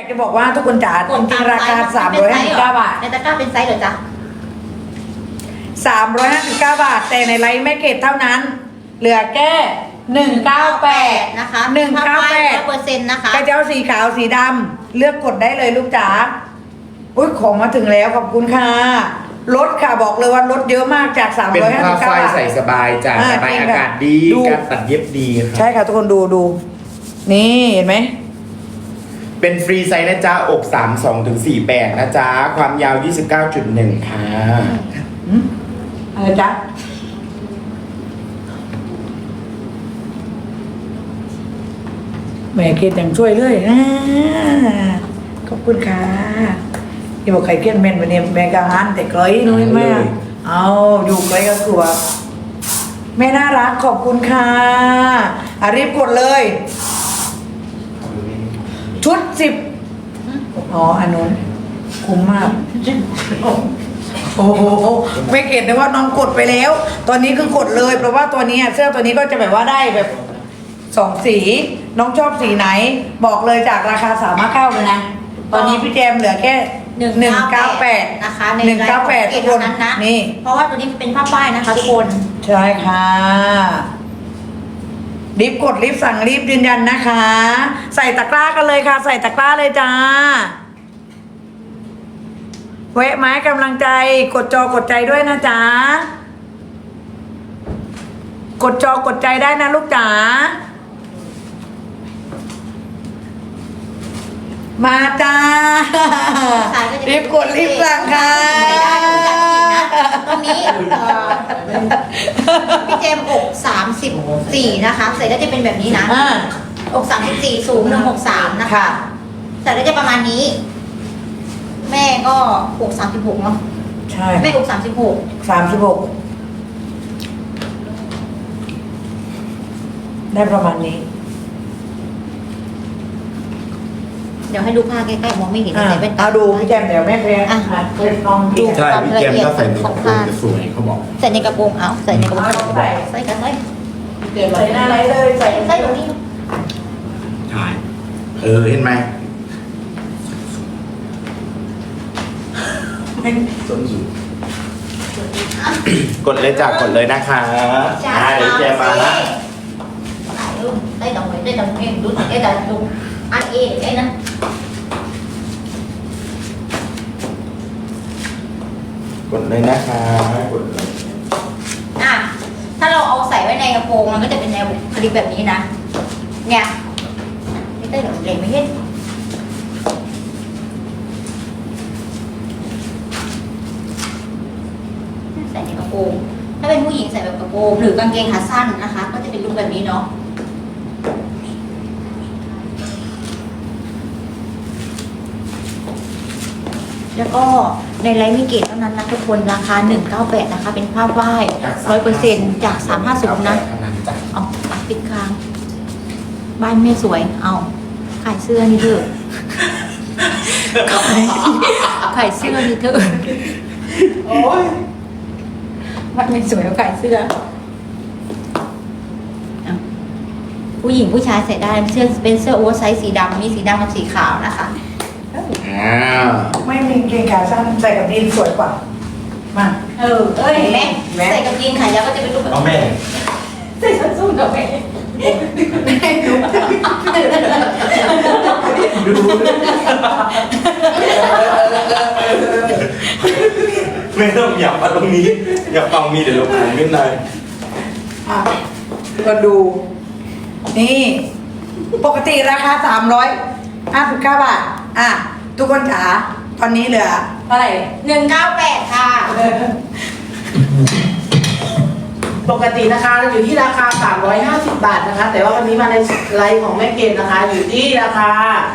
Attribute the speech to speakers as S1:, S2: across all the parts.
S1: จะบอกว่าทุกคนจ๋าจริงๆราคา359 บาท
S2: ในตะกร้าเป็นไซส์เหรอจ๊ะ
S1: 359 บาทแต่ในไลฟ์แม่เกดเท่านั้นเหลือแค่198
S2: นะคะ
S1: 198
S2: นะคะ
S1: กระเจ้าสีขาวสีดำเลือกกดได้เลยลูกจ๋าอุ้ยของมาถึงแล้วขอบคุณค่ะลดค่ะบอกเลยว่าลดเยอะมากจาก359
S3: เป็นผ้า
S1: บาท
S3: ฝ้ายใส่สบายจ้ะระบายอากาศดีการตัดเย็บดีครับ
S1: ใช่ค่ะทุกคนดูนี่เห็นไหม
S3: เป็นฟรีไซส์นะจ๊ะอก32ถึง48นะจ๊ะความยาว 29.1 ค่ะ
S1: อะไรจ๊ะแม่เกดยังช่วยเลยขอบคุณค่ะที่บอกใครเกลียดแม่นวันนี้แม่กะหันแต่ไกลนุ้ยแม่เอาอยู่ไกลก็กลัวแม่น่ารักขอบคุณค่ะรีบกดเลยชุด10อ๋ออันนู้นคุ้มมากโอ้โหไม่เก็ตเลยว่าน้องกดไปแล้ว ตอนนี้คือกดเลยเพราะว่าตัวนี้เสื้อตัวนี้ก็จะแบบว่าได้แบบ2 สีน้องชอบสีไหนบอกเลยจากราคา359เลยนะตอนนี้พี่แจมเหลือแค่198
S2: นะคะใน
S1: 198ทุกคน
S2: นั้นนะ
S1: นี่
S2: เพราะว่าตัวนี้เป็นผ้าฝ้ายนะคะทุกคน
S1: ใช่ค่ะรีบกดรีบสั่งรีบยืนยันนะคะ ใส่ตะกร้ากันเลยค่ะ ใส่ตะกร้าเลยจ้าแวะไม้กำลังใจกดจอกดใจด้วยนะจ๊ะกดจอกดใจได้นะลูกจ๋ามาจ้ารีบกดรีบสั่งค่ะ
S2: ตรงนี้พี่เจมอก34นะคะใส่ได้จะเป็นแบบนี้นะอก34สูง163นะคะใส่ได้จะประมาณนี้แม่ก็อก36เนาะ
S1: ใช่
S2: แม่อก
S1: 36ได้ประมาณนี้
S2: เดี๋ยวให้ดูผ้าใกล้ๆมองไม่เห็นใส่แว่นตา
S1: เอาดูพี่แจมเดี๋ยวแม่เพลงลองดู
S3: ใช่พี่แจมก็ใส่ในกระโปรงจะสวยเขาบอก
S2: ใส่ในกระโปรงเอาใส่ในกระโปรงใส่กันเลย
S1: ใส่หน้าไรเลยใส่
S2: ใส่ตรงนี้
S3: ใช่เห็นไหมส้นสูงกดเลยจ้ะกดเลยนะคะเดี๋ยวแจมมานะ
S2: đây đồng đây đồng em đúng cái là đúng anh e cái đó
S3: กดเลยนะคะกดเลย
S2: ถ้าเราเอาใส่ไว้ในกระโปรงมันก็จะเป็นแนวคลิปแบบนี้นะเนี่ยไม่ได้หรอกเด็กไม่เห็นใส่ในกระโปรงถ้าเป็นผู้หญิงใส่แบบกระโปรงหรือกางเกงขาสั้นนะคะ ก็จะเป็นรูปแบบนี้เนาะแล้วก็ในไลฟ์มีเกตเท่านั้นนะทุกคนราคา198นะคะเป็นผ้าฝ้าย 100% จาก350นะเอาปิดค้างบ้านแม่สวยเอาขายเสื้อนี่เถอะขายเสื้อนี่เถอะโอ้ยบ้านแม่สวยขายเสื้อผู้หญิงผู้ชายใส่ได้เสื้อเป็นเสื้อโอเวอร์ไซส์สีดำมีสีดำกับสีขาวนะคะ
S1: ไม่มีเกงขาสั้นใส่กับยีนสวยกว่ามา
S2: เห็นไหมใส่กับยีนขายาวก็จะเป็นรูปแบบ
S3: เอาแม่
S2: ใส่ส้นสูงกับแม่
S3: ไม่ต้องอยากมาตรงนี้อยากฟังมีเดี๋ยวเราผ่านขึ้นเลย
S1: ก็ดูนี่ปกติราคา359 บาททุกคนจ๋าตอนนี้เหลือเท่าไหร่
S2: 198ค่ะ
S4: ปกตินะคะอยู่ที่ราคา350 บาทนะคะแต่ว่าวันนี้มาในไลฟ์ของแม่เกดนะคะอยู่ที่ราคา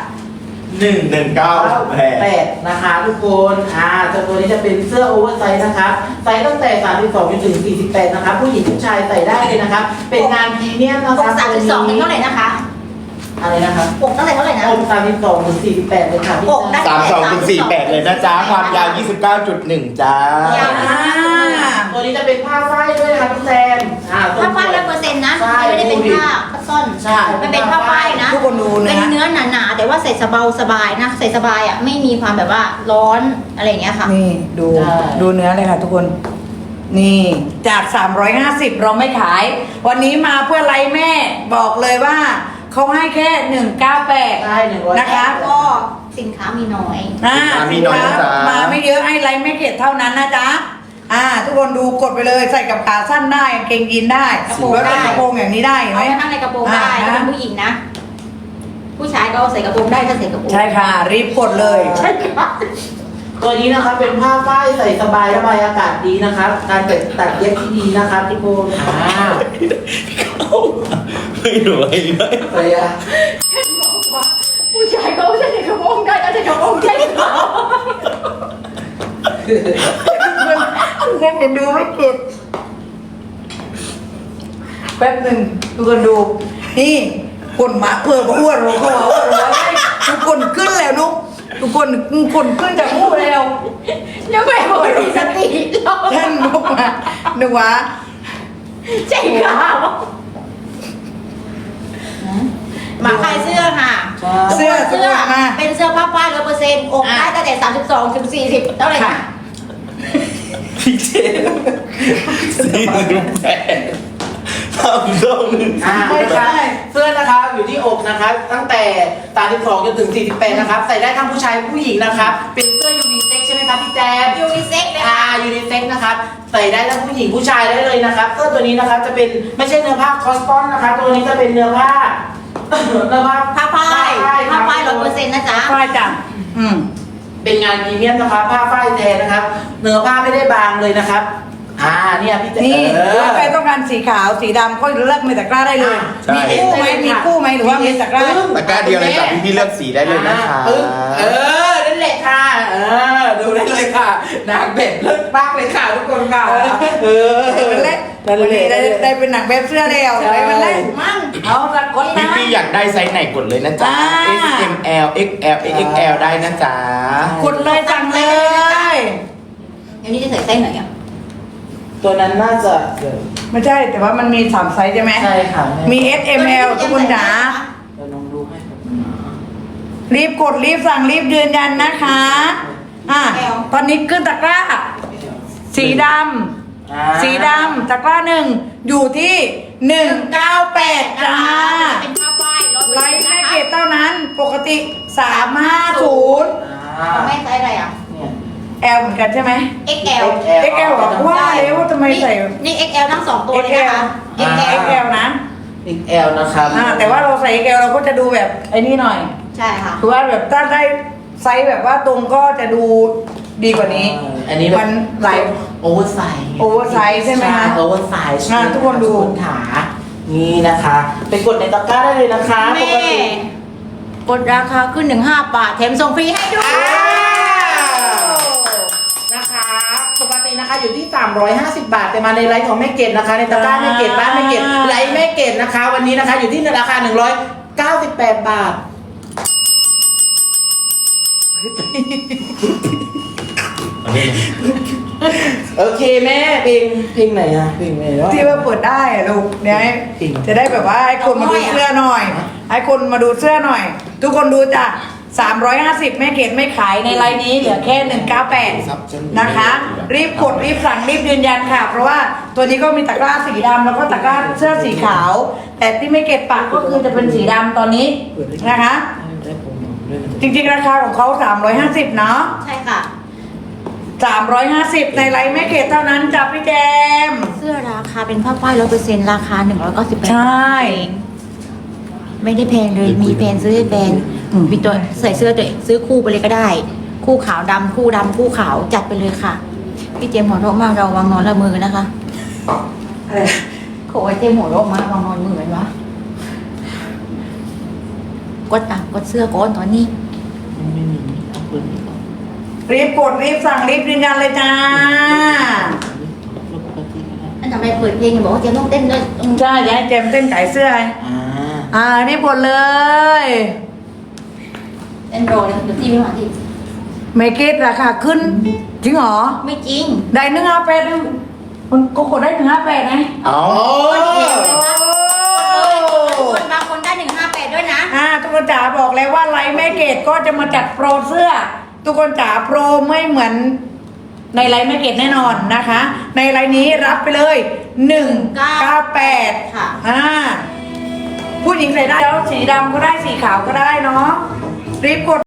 S4: 198นะคะทุกคนตัวนี้จะเป็นเสื้อโอเวอร์ไซส์นะคะไซส์ตั้งแต่32จนถึง48นะคะผู้หญิงผู้ชายใส่ได้เลยนะคะเป็นงานพรีเมียมนะคะ
S2: 32เป็นเท่าไหร่นะคะ
S4: อะไรนะคะ
S2: อกตั้งแต่เท่าไหร่นะ
S4: อก32ถึง48เลยค่ะ
S2: อก
S3: 32ถึง48เลยนะจ๊ะความยาว 29.1 จ้า
S4: ตัวนี้จะเป็นผ้าฝ้ายด้วยนะคะทุกแซม
S2: ผ้าฝ้าย100%นะ
S4: ใช่
S2: ไม่ได้เป็นผ้าซ่อน
S4: ใช่
S2: มันเป็นผ้าฝ้ายนะ
S1: ทุกคนดู
S2: เป็น
S1: นะ
S2: เนื้อหนาๆแต่ว่าใส่สบายนะใส่สบายอ่ะไม่มีความแบบว่าร้อนอะไรอย่างเงี้ยค่ะ
S1: นี่ดู
S4: ใช่
S1: ดูเนื้อเลยค่ะทุกคน นี่จาก 350 เราไม่ขาย วันนี้มาเพื่อไลฟ์แม่บอกเลยว่าเขาให้แค่ 198
S4: ใช่100
S1: นะคะ
S2: ก็สินค้ามีน้อย
S3: มีน้อยนะจ๊ะ
S1: มาไม่เยอะให้ไลฟ์แม่เกดเท่านั้นนะจ๊ะทุกคนดูกดไปเลยใส่กับขาสั้นได้กางเกงยีนได้
S2: กระโปรง
S1: แล้วก็
S2: ได้
S1: กระโปรงอย่างนี้ได้เห็น
S2: เอา
S1: ไหม
S2: ไปนั่งในกระโปรงได้
S1: อ่า
S2: ถ้าเป็นผู้หญิงนะ ผู้ชายก็ใส่กระโปรงได้ถ้าใส่กระโปรง
S1: ใช่ค่ะ รีบกดเลย
S2: ใช่ค่ะ
S4: ตัวนี้นะครับเป็นผ้าฝ้ายใส่สบายระบายอากาศดีนะครับ การตัดเย็บที่ดีนะครับทุกคน
S3: ไม่รวยเลย
S4: เลยอะ
S2: ผู้ชายก็ใส่กระโปรงได้ถ้าใส่กระโปรงใช่ค่ะ
S1: แค่เห็นดูไม่เก็บแป๊บหนึ่งทุกคนดู นี่คนหมาเผื่ออ้วนเราเขาว่าอ้วนเราทุกคนขึ้นแล้วนุกทุกคนขึ้นจากหูแล้ว
S2: ยังไม่หมดมีสติเรา
S1: ท่านนุกมาหนูวะ
S2: ใช่ค่ะมาขายเสื้อค่ะ
S1: เสื้อ
S2: เสื้อ
S1: มา
S2: เป็นเสื้อผ้าฝ้าย100%อกได้ตั้งแต่32ถึง40เท่าไหร่
S1: ค่ะ
S2: นะ
S3: พี่เจ48ทำต้อง
S4: ไม่ใช่เสื้อนะครับอยู่ที่อกนะครับตั้งแต่32จนถึง48นะครับใส่ได้ทั้งผู้ชายผู้หญิงนะครับเป็นเสื้อยูนิเซ็กใช่ไหมครับพี่แจ๊บ
S2: ยูนิเซ็กเลยค่ะ
S4: ยูนิเซ็กนะครับใส่ได้ทั้งผู้หญิงผู้ชายได้เลยนะครับเสื้อตัวนี้นะครับจะเป็นไม่ใช่เนื้อผ้าคอสตอนนะครับตัวนี้จะเป็นเนื้อผ้า เนื้อผ้า
S2: ผ้าฝ้ายผ้าฝ้าย100%นะจ๊ะ
S1: ฝ้ายจ้ะ
S4: เป็นงานพรีเมียมนะครับผ้าฝ้ายแท้นะครับเนื้อผ้าไม่ได้บางเลยนะครับเนี่ยพี่แจ๊บ
S1: นี่ถ้าใครต้องการสีขาวสีดำก็เลือกในตะกร้าได้เลย
S3: ใช่
S1: มีคู่ไหมมีคู่ไหมหรือว่ามีตะกร้า
S3: ตะกร้าเดียวเลยจ้ะพี่เลือกสีได้เลยนะคะ
S4: นั่นแหละค่ะดูได้เลยค่ะนางเป็ดเลิศมากเลยค่ะทุกคนค่ะ
S1: มันเละวันนี้ได้เป็นหนังแบบเสื้อแล้วได้มันเละมั่งเอาละคนนะ
S3: พี่อยากได้ไซส์ไหนกดเลยนะจ๊ะ S M L X L X X L ได้นะจ๊ะ
S1: กดเลยสั่งเลย
S2: เดี๋ยวนี้จะใส่ไส้ไหนอ่ะ
S4: ตัวนั้นน่าจะ
S1: ไม่ใช่แต่ว่ามันมี3ไซส์ใช่ไหม
S4: ใช่ค่ะ
S1: มี S M L ทุกคนจ๋า
S4: เดี๋ยวน้องดูให้ครับ
S1: รีบกดรีบสั่งรีบยืนยันนะคะตอนนี้ขึ้นตะกร้า สีดำสีดำตะกร้าหนึ่งอยู่ที่198จ้า
S2: เป็นผ้าฝ้าย100%
S1: ไลฟ์แม่เกด
S2: นะคะ
S1: เท่านั้นปกติ350
S2: ของแม่ไซส์อะไรอ่ะ
S4: เนี่ย
S1: L เหมือนกันใช่ไหม
S2: XL
S1: XL เหรอว่าแล้วทำไมใส่
S2: นี่ XL ทั้ง2ตัวเลยนะคะ XL
S1: XL นะ
S4: XL นะครับ
S1: แต่ว่าเราใส่ XL เราก็จะดูแบบไอ้นี่หน่อย
S2: ใช่ค่ะ
S1: คือว่าแบบถ้าได้ไซส์แบบว่าตรงก็จะดูดีกว่านี้
S4: อันนี้แบบ
S1: มันหลาย
S4: โอเวอร์ไซส์
S1: oversize ใช่ไหมคะ
S4: โอเวอร์ไซส์
S1: ทุกคนดู
S4: ขานี่นะคะไปกดในตะกร้าได้เลยนะคะ
S2: แม่
S4: ปกติ
S2: กดราคาขึ้นถึง5 บาทแถมส่งฟรีให้ด้วย
S4: นะคะปกตินะคะอยู่ที่ 350 บาทแต่มาในไลฟ์ของแม่เกดนะคะในตะกร้าแม่เกดบ้านแม่เกดไลฟ์แม่เกดนะคะ วันนี้นะคะอยู่ที่ราคา198 บาท โอเคแม่เพลงไหนอะเพลงไหนวะ
S1: ที่ว่าเปิดได้อะลูกเนี่ย
S4: จริง
S1: จะได้แบบว่าให้คนมาดูเสื้อหน่อย ให้คนมาดูเสื้อหน่อย ทุกคนดูจ้ะ350แม่เกดไม่ขายในไลน์นี้เหลือแค่198นะคะ รีบกดรีบสั่งรีบยืนยันค่ะ เพราะว่าตัวนี้ก็มีตะกร้าสีดำแล้วก็ตะกร้าเสื้อสีขาว แต่ที่แม่เกดปักก็คือจะเป็นสีดำตอนนี้นะคะ
S4: ได้ผมด้วยนะ
S1: จริงๆราคาของเขา350เนาะ
S2: ใช่ค่ะ
S1: 350ในไลน์แม่เกดเท่านั้นจ้ะพี่แจม
S2: เสื้อราคาเป็นผ้าฝ้าย100%ราคา198
S1: ใช่
S2: ไม่ได้แพงเลยมีแพงซื้อให้แพงมีตัวใส่เสื้อตัวเองซื้อคู่ไปเลยก็ได้ คู่ขาวดำคู่ดำคู่ขาวจัดไปเลยค่ะ พี่เจมส์หัวเราะมากเราวางนอนละมือนะคะ
S1: อะไร
S2: โขยเจมส์หัวเราะมากวางนอนมือกันวะกดเสื้อก่อนตอนนี้
S4: ไม่มีเอาปืนนี้ก่อน
S1: รีบกดรีบสั่งรีบยืนยันเลยจ้า
S4: ลบปกตินะ
S2: อันทำไมเปิดเพลงบอกว่าเจมส์ต้องเต้นด้วย
S1: ใช่จะให้เจมส์เต้นไก่เสื้อไงรีบกดเลย
S2: เต้นโรเลยเดี๋ยวที่ไม่มาที่
S1: เมเกตราคาขึ้น จริงเหรอ
S2: ไม่จริง
S1: ได้158มันก็กดได้158ไง
S3: เอา
S1: โอ้ยทุกคนจ๋าบอกแล้วว่าไลฟ์แม่เกดก็จะมาจัดโปรเสื้อ ทุกคนจ๋าโปรไม่เหมือนในไลฟ์แม่เกดแน่นอนนะคะ ในไลฟ์นี้รับไปเลย198
S2: ค่ะ
S1: ผู้หญิงใส่ได้แล้วสีดำก็ได้สีขาวก็ได้เนาะรีบกด